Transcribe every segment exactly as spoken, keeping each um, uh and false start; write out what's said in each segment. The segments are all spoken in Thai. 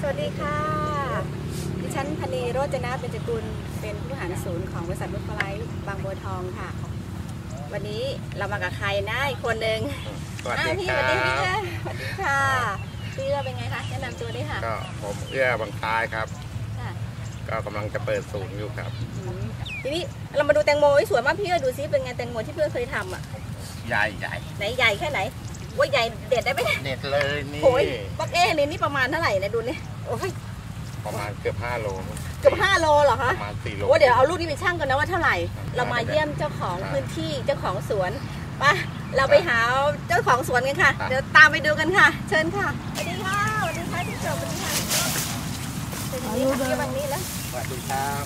สวัสดีค่ะดิฉันพนีโรจนะเบญจกุลเป็นผู้บริหารศูนย์ของบริษัทนุชฟลายบางบัวทองค่ะวันนี้เรามากับใครนะอีกคนหนึ่งสวัสดีพี่คสรัวัสดีพี่บสวัสดีค่ะพี่เอื้อเป็นไงคะแนะนำตัวด้วยค่ะก็ผมเอื้อบางท้ายครับค่ะก็กำลังจะเปิดศูนย์อยู่ครับทีนี้เรามาดูแตงโมสวยมากพี่เอื้อดูซิเป็นไงแตงโมที่พี่เอื้อเคยทำอ่ะใหญ่ใหญ่ไหนใหญ่แค่ไหนว่าใหญ่เด็ดได้ไหมเด็ดเลยนี่โอ้ยปักเอ้นี่นี่ประมาณเท่าไหร่เนี่ยดูนี่โอ้ยประมาณเกือบห้าโลเกือบห้าโลเหรอคะประมาณสี่โลโอ้เดี๋ยวเอาลูกนี้ไปชั่งกันนะว่าเท่าไหร่เรามาเยี่ยมเจ้าของพื้นที่เจ้าของสวนไปเราไปหาเจ้าของสวนกันค่ะเดี๋ยวตามไปดูกันค่ะเชิญค่ะสวัสดีค่ะสวัสดีค่ะที่เจอวันนี้ค่ะเป็นยังไงคะวันนี้แล้วสวัสดีครับ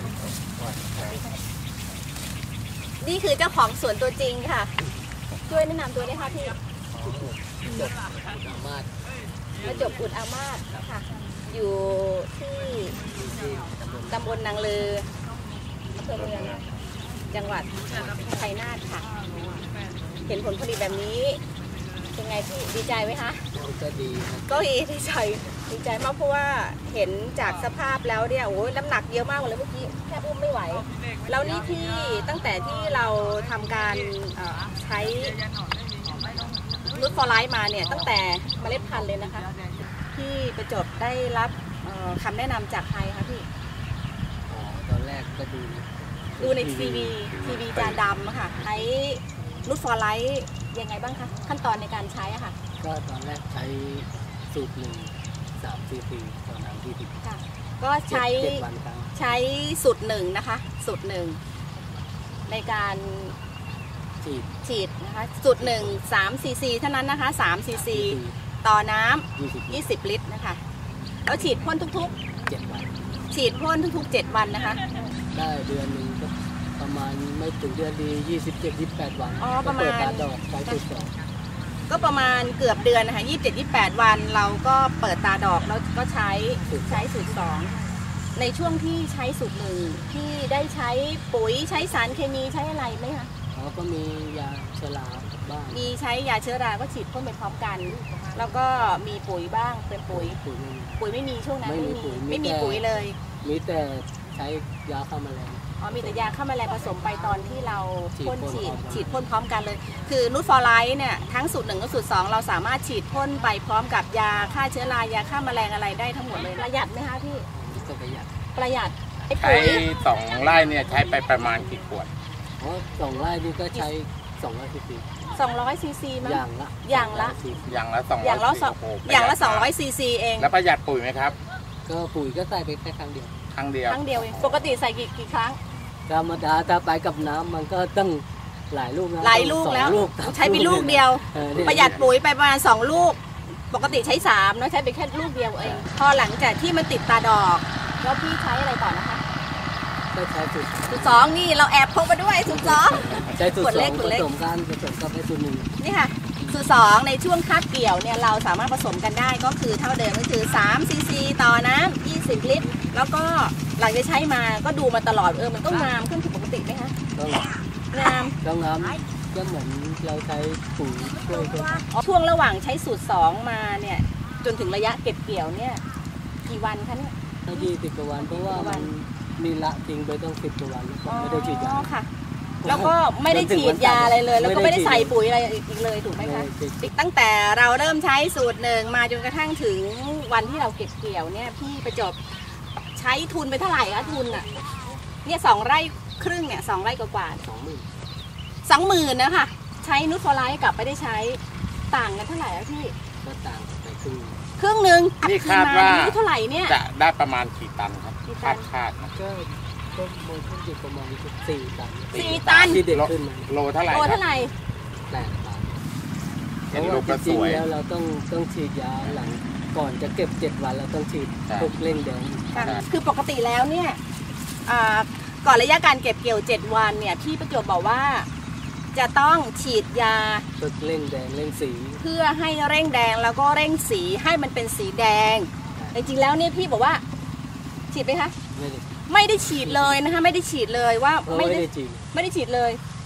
นี่คือเจ้าของสวนตัวจริงค่ะช่วยแนะนำตัวได้ค่ะพี่จบอามาตมาจบอุดอามาตค่ะอยู่ที่ตำบลนางลืออำเภอเมืองจังหวัดชัยนาทค่ะเห็นผลผลิตแบบนี้เป็นไงพี่ดีใจไหมคะก็ดีก็ดีดีใจดีใจมากเพราะว่าเห็นจากสภาพแล้วเนี่ยโอ้ยน้ำหนักเยอะมากเลยเมื่อกี้แทบอุ้มไม่ไหวแล้วนี่ที่ตั้งแต่ที่เราทำการใช้นุชฟอร์ไลท์มาเนี่ยตั้งแต่เมล็ดพันธุ์เลยนะคะที่ประจบได้รับคำแนะนำจากใครคะพี่อ๋อตอนแรกก็ดูดูในทีวีทีวีจานดำค่ะใช้นุชฟอร์ไลท์ยังไงบ้างคะขั้นตอนในการใช้อะค่ะก็ตอนแรกใช้สูตรหนึ่งสามซีซีต่อน้ำที่สิบก็ใช้ใช้สูตรหนึ่งนะคะสูตรหนึ่งในการฉีดฉีดนะคะสูตรหนึ่งสามซีซีเท่านั้นนะคะสามซีซีต่อน้ำยี่สิบลิตรนะคะแล้วฉีดพ่นทุกๆเจ็ดวันฉีดพ่นทุกๆเจ็ดวันนะคะได้เดือนหนึ่งก็ประมาณไม่ถึงเดือนดียี่สิบเจ็ดยี่สิบแปดวันอ๋อประมาณเปิดตาดอกใช้สูตรสองก็ประมาณเกือบเดือนนะคะยี่สิบเจ็ดยี่สิบแปดวันเราก็เปิดตาดอกแล้วก็ใช้ใช้สูตรสองในช่วงที่ใช้สูตรหนึ่งที่ได้ใช้ปุ๋ยใช้สารเคมีใช้อะไรไหมคะอ๋อก็มียาเชื้อราบ้างมีใช้ยาเชื้อราก็ฉีดพ่นไปพร้อมกันแล้วก็มีปุ๋ยบ้างเป็นปุ๋ยปุ๋ยปุ๋ยไม่มีช่วงนั้นไม่มีไม่มีปุ๋ยเลยมีแต่ใช้ยาฆ่าแมลงอ๋อมีแต่ยาฆ่าแมลงผสมไปตอนที่เราพ่นฉีดฉีดพ่นพร้อมกันเลยคือนูตฟอร์ไลท์เนี่ยทั้งสูตรหนึ่งกับสูตรสองเราสามารถฉีดพ่นไปพร้อมกับยาฆ่าเชื้อรายาฆ่าแมลงอะไรได้ทั้งหมดเลยประหยัดไหมคะพี่ประหยัดประหยัดใช้สองไร่เนี่ยใช้ไปประมาณกี่ขวดอ๋อสองไร่นี่ก็ใช้สองร้อยซีซีสองร้อยซีซีมั้งอย่างละอย่างละอย่างละสองอย่างละสองอย่างละสองร้อยซีซีเองแล้วประหยัดปุ๋ยไหมครับก็ปุ๋ยก็ใส่ไปแค่ครั้งเดียวครั้งเดียวครั้งเดียวเองปกติใส่กี่กี่ครั้งธรรมดาถ้าไปกับน้ำมันก็ต้องหลายลูกนะหลายลูกแล้วใช้ไปลูกเดียวประหยัดปุ๋ยไปประมาณสองลูกปกติใช้สามเนาะใช้ไปแค่ลูกเดียวเองพอหลังจากที่มันติดตาดอกแล้วพี่ใช้อะไรต่อนะคะก็ใช้สูตรสูตรสองนี่เราแอบพกมาด้วยสูตรสองใช้สูตรสองผสมกันผสมกับสูตรหนึ่งนี่ค่ะสูตรสองในช่วงคาบเกี่ยวเนี่ยเราสามารถผสมกันได้ก็คือเท่าเดิมก็คือสามซีซีต่อน้ำยี่สิบลิตรแล้วก็หลังจากใช้มาก็ดูมาตลอดเออมันก็งามขึ้นผิดปกติไหมคะงามก็งามก็เหมือนเราใช้ปุ๋ยช่วยกันช่วงระหว่างใช้สูตรสองมาเนี่ยจนถึงระยะเก็บเกี่ยวเนี่ยกี่วันคะเนี่ยยี่สิบกว่าวันเพราะว่ามันมีละทิ้งไปต้องสิบกว่าวันไม่ได้ฉีดยาค่ะแล้วก็ไม่ได้ฉีดยาอะไรเลยแล้วก็ไม่ได้ใส่ปุ๋ยอะไรอีกเลยถูกไหมคะตั้งแต่เราเริ่มใช้สูตรหนึ่งมาจนกระทั่งถึงวันที่เราเก็บเกี่ยวเนี่ยพี่ประจบใช้ทุนไปเท่าไหร่คะทุนอ่ะเนี่ยสองไร่ครึ่งเนี่ยสองไร่กว่าสองหมื่นสองหมื่นนะคะใช้นูตฟอร์ไลท์กับไม่ได้ใช้ต่างกันเท่าไหร่คะพี่ก็ต่างไปครึ่งครึ่งหนึ่งนี่คาดว่าเท่าไหร่เนี่ยจะได้ประมาณกี่ตันครับคาดคาดนะก็ก็โมเดลอยู่ประมาณสี่ตันสี่ตันที่เด็กขึ้นโลเท่าไหร่โลเท่าไหร่แปดตันเพราะว่าจริงๆแล้วเราต้องต้องฉีดยาหลังก่อนจะเก็บเจ็ดวันเราต้องฉีดพวกเร่งแดงคือปกติแล้วเนี่ยก่อนระยะการเก็บเกี่ยวเจ็ดวันเนี่ยพี่ประจวบบอกว่าจะต้องฉีดยาเร่งแดงเร่งสีเพื่อให้เร่งแดงแล้วก็เร่งสีให้มันเป็นสีแดงแต่จริงแล้วเนี่ยพี่บอกว่าฉีดไหมคะไม่ได้ไม่ได้ฉีดเลยนะคะไม่ได้ฉีดเลยว่าไม่ได้ฉีดไม่ได้ฉีดเลย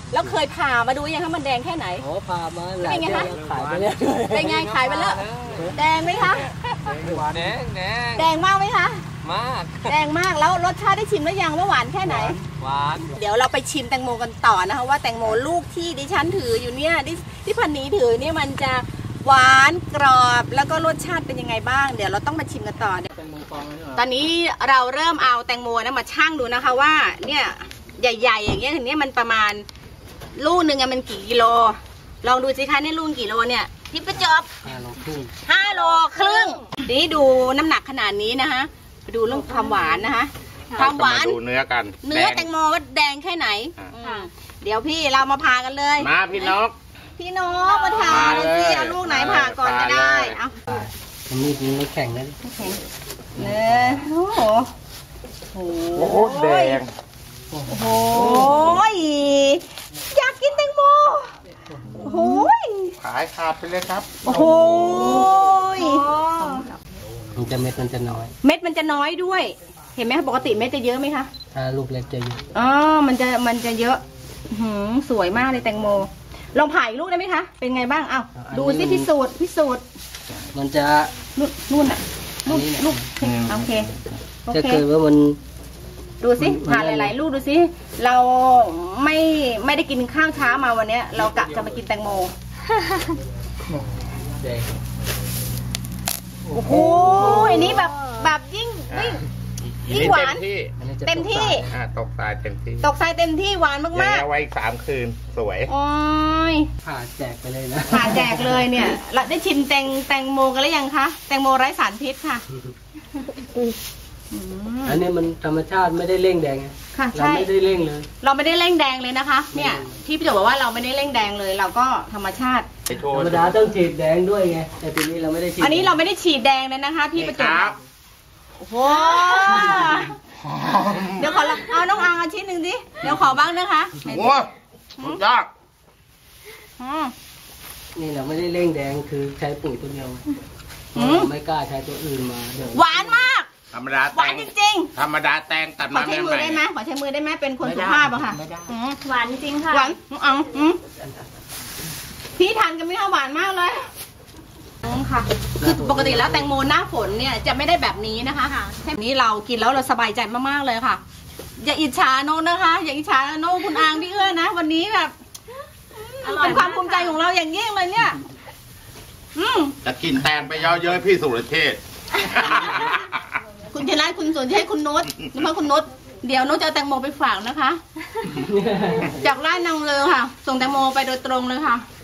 แล้วเคยผ่ามาดูยังคะมันแดงแค่ไหนโอ้พามาหลายเดือนแล้วขายไปแล้วเป็นไงขายไปแล้วแดงไหมคะแดงแดงแดงมากไหมคะมากแดงมากแล้วรสชาติได้ชิมหรือยังว่าหวานแค่ไหนหวานเดี๋ยวเราไปชิมแตงโมกันต่อนะคะว่าแตงโมลูกที่ดิฉันถืออยู่เนี่ยที่ที่พันนี้ถือเนี่ยมันจะหวานกรอบแล้วก็รสชาติเป็นยังไงบ้างเดี๋ยวเราต้องมาชิมกันต่อเนี่ยเป็นมังกรเลยเหรอตอนนี้เราเริ่มเอาแตงโมนะมาชั่งดูนะคะว่าเนี่ยใหญ่ๆอย่างเงี้ยอย่างเนี้ยมันประมาณลูกหนึ่งอะมันกี่กิโลลองดูสิคะเนี่ยลูกกี่โลเนี่ยที่ประจบห้าโลครึ่งห้าโลครึ่งนี่ดูน้ำหนักขนาดนี้นะคะไปดูเรื่องความหวานนะคะความหวานเรจะดูเนื้อกันเนื้อดงแตงโมว่าแดงแค่ไหนอ่าอืมเดี๋ยวพี่เรามาพากันเลยมาพี่นกพี่นกมาทามาเลเลย ยสิเอาลูกไหนผ่าก่อนก็ได้มาเลยเอามันมีดมันแข็งนะเนื้อโอ้โหโอ้โอ้โหแดงโหอยากกินแตงโมโอ้โหขายขาดไปเลยครับโอ้โหมันจะเม็ดมันจะน้อยเม็ดมันจะน้อยด้วย เห็นไหมคะปกติเม็ดจะเยอะไหมคะถ้าลูกเล็กจะเยอะอ๋อมันจะมันจะเยอะอื้อหือสวยมากเลยแตงโมลองผ่าอีกลูกได้ไหมคะเป็นไงบ้างอ้าวดูสิพิสูจน์พิสูจน์มันจะนู่นนู่นอ่ะลูกอันนี้เนี่ยลูกโอเคโอจะเคเกิดว่ามันดูสิมันผ่านหลาย ๆ ลูกดูสิเราไม่ไม่ได้กินข้าวเช้ามาวันเนี้ย เรากะจะมากินแตงโมแดงโอ้โหอันนี้แบบแบบยิ่งยิ่งอียิ่งนี่หวานเต็มที่อันนี้จะเต็มที่อ่าตกตายเต็มที่ตกใส่เต็มที่หวานอย่างมากเงี้ยไว้อีกสามคืนสวยๆโอ้ยผ่าแจกไปเลยนะผ่าแจกเลยเนี่ยเราได้ชิมแตงแตงโมกันหรือยังคะแตงโมไร้สารพิษค่ะอืมอันนี้มันธรรมชาติไม่ได้เร่งแดงไงค่ะเราใช่ไม่ได้เร่งเลยเราไม่ได้เร่งแดงเลยนะคะ เนี่ยอืมที่พี่โจบอกว่าเราไม่ได้เร่งแดงเลย เราก็ธรรมชาติไปโชธว์รรมดาต้องฉีดแดงด้วยไง แต่ทีนี้เราไม่ได้ฉีดอันนี้เราไม่ได้ฉีดแดงเลยนะคะ พี่ประจนี่บครับโอ้โหเดี๋ยวขอลองเอาน้องอังเอาชิ้นหนึ่งดิเดี๋ยวขอบ้างนะคะโอ้สุดยอดอืมนี่เราไม่ได้เร่งแดงคือใช้ปุ๋ยตัวเดียวไงอืมไม่กล้าใช้ตัวอื่นมาเดี๋ยวหวานมากธรรมดาหแตวานงจริงธรรมดาแตงตัดๆ ขอมาใช้ใหมือม่ได้ไหมขอใช้มือได้ไหมเป็นคนสุภาพอะค่ะอืมหวานจริงค่ะหวานอังอืมพี่ทานกันไหม่ค่าหวานมากเลยอืมค่ะคือปกติแล้วแตงโมหน้าฝนเนี่ยจะไม่ได้แบบนี้นะคะใช่นี้เรากินแล้วเราสบายใจมากๆเลยค่ะ อย่าอิจฉาโน้นนะคะ อย่าอิจฉาโน้นคุณอางพี่เอื้อนะวันนี้แบบอร่อยเป็นความภูมิใจของเราอย่างยิ่งเลยเนี่ย อืมจะกินแตงไปเยอะเย้ยพี่สุรเชษฐ์คุณชนะคุณสนใจคุณนุชหรือว่าคุณนุชเดี๋ยวนุชจะเอาแตงโมไปฝากนะคะ จากร้านนางเลอค่ะ ส่งแตงโมไปโดยตรงเลยค่ะ